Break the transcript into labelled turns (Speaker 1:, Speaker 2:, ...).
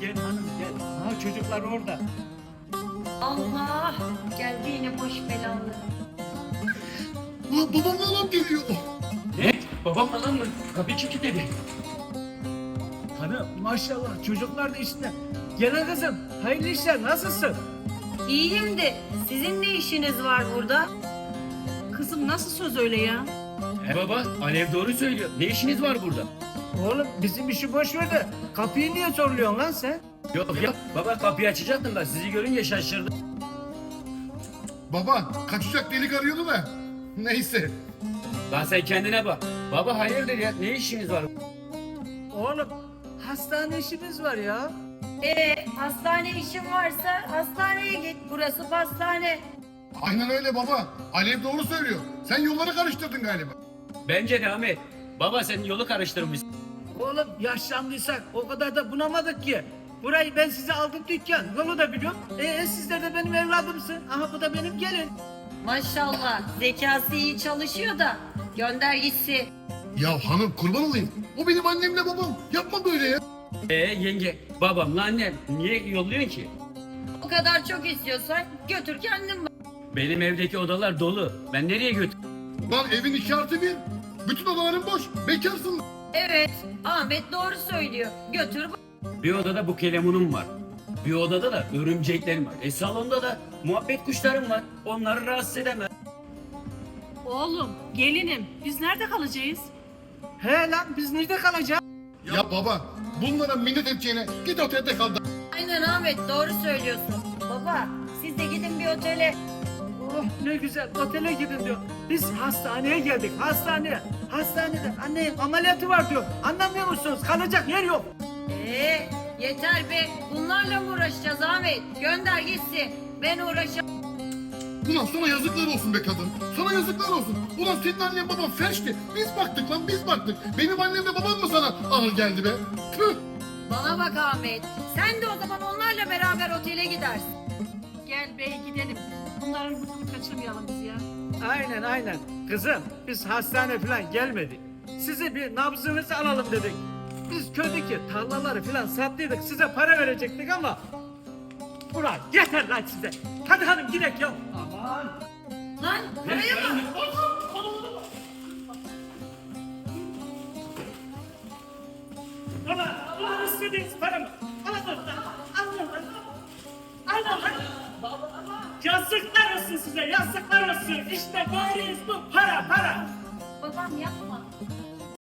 Speaker 1: Gel hanım gel. Ha çocuklar orada.
Speaker 2: Allah! Geldi yine boş belalı.
Speaker 3: Babam falan geliyor.
Speaker 1: Ne? Babam falan mı? Kapıyı kim kilitledi? Hanım maşallah çocuklar da işte. Gel kızım. Hayırlı işler nasılsın?
Speaker 2: İyiyim de sizin ne işiniz var burada?
Speaker 4: Kızım nasıl söz öyle ya?
Speaker 5: Baba, Alev doğru söylüyor. Ne işiniz var burada?
Speaker 1: Oğlum bizim işi boş ver de kapıyı niye zorluyorsun lan sen?
Speaker 5: Yok ya, baba kapıyı açacaktım da sizi görünce şaşırdım.
Speaker 3: Baba kaçacak delik arıyordu da. Neyse.
Speaker 5: Lan sen kendine bak. Baba hayırdır ya, ne işiniz var?
Speaker 1: Oğlum hastane işimiz var ya.
Speaker 2: Hastane işin varsa hastaneye git. Burası pastane.
Speaker 3: Aynen öyle baba. Alev doğru söylüyor. Sen yolları karıştırdın galiba.
Speaker 5: Bence de Ahmet. Baba sen yolu karıştırmışsın.
Speaker 1: Oğlum yaşlandıysak o kadar da bunamadık ki. Burayı ben size aldım dükkan. Yolu da biliyorum. Sizler de benim evladımsın. Aha bu da benim gelin.
Speaker 2: Maşallah zekası iyi çalışıyor da gönder gitsin.
Speaker 3: Ya hanım kurban olayım. O benim annemle babam. Yapma böyle ya.
Speaker 5: Yenge, babamla annem niye yolluyorsun ki?
Speaker 2: O kadar çok istiyorsan götür kendin bak.
Speaker 5: Benim evdeki odalar dolu. Ben nereye götür?
Speaker 3: Lan evin 2+1. Bütün odaların boş. Bekarsın.
Speaker 2: Evet, Ahmet doğru söylüyor. Götür bak.
Speaker 5: Bir odada bu kelemunum var. Bir odada da örümceklerim var. Salonda da muhabbet kuşlarım var. Onları rahatsız edemem.
Speaker 4: Oğlum, gelinim, biz nerede kalacağız?
Speaker 1: He lan biz nerede kalacağız?
Speaker 3: Ya baba bunlara minnet edeceğine git otelde kal.
Speaker 2: Aynen Ahmet doğru söylüyorsun. Baba siz de gidin bir otele.
Speaker 1: Oh ne güzel otele gidin diyor. Biz hastaneye geldik hastaneye. Hastanede annenin ameliyatı var diyor. Anlamıyor musunuz? Kalacak yer yok.
Speaker 2: Yeter be. Bunlarla mı uğraşacağız Ahmet? Gönder gitsin. Ben uğraşamam.
Speaker 3: Ulan sana yazıklar olsun be kadın. Sana yazıklar olsun. Ulan senin annen baban felçti. Biz baktık lan biz baktık. Benim annemle babam mı sana ağır geldi be? Tüh.
Speaker 2: Bana bak Ahmet. Sen de o zaman onlarla beraber otele gidersin.
Speaker 4: Gel bey gidelim. Bunların burnunu kaçırmayalım biz ya.
Speaker 1: Aynen. Kızım biz hastane falan gelmedik. Size bir nabzınızı alalım dedik. Biz köydeki tarlaları falan sattıydık. Size para verecektik ama... Ulan yeter lan size. Hadi hanım gidelim ya. Aman.
Speaker 2: Lan buraya bak.
Speaker 1: Ulan istediğiniz paramı. Alın. Yazıklar olsun size, yazıklar olsun. İşte gayriyiz bu para.
Speaker 2: Babam yapma.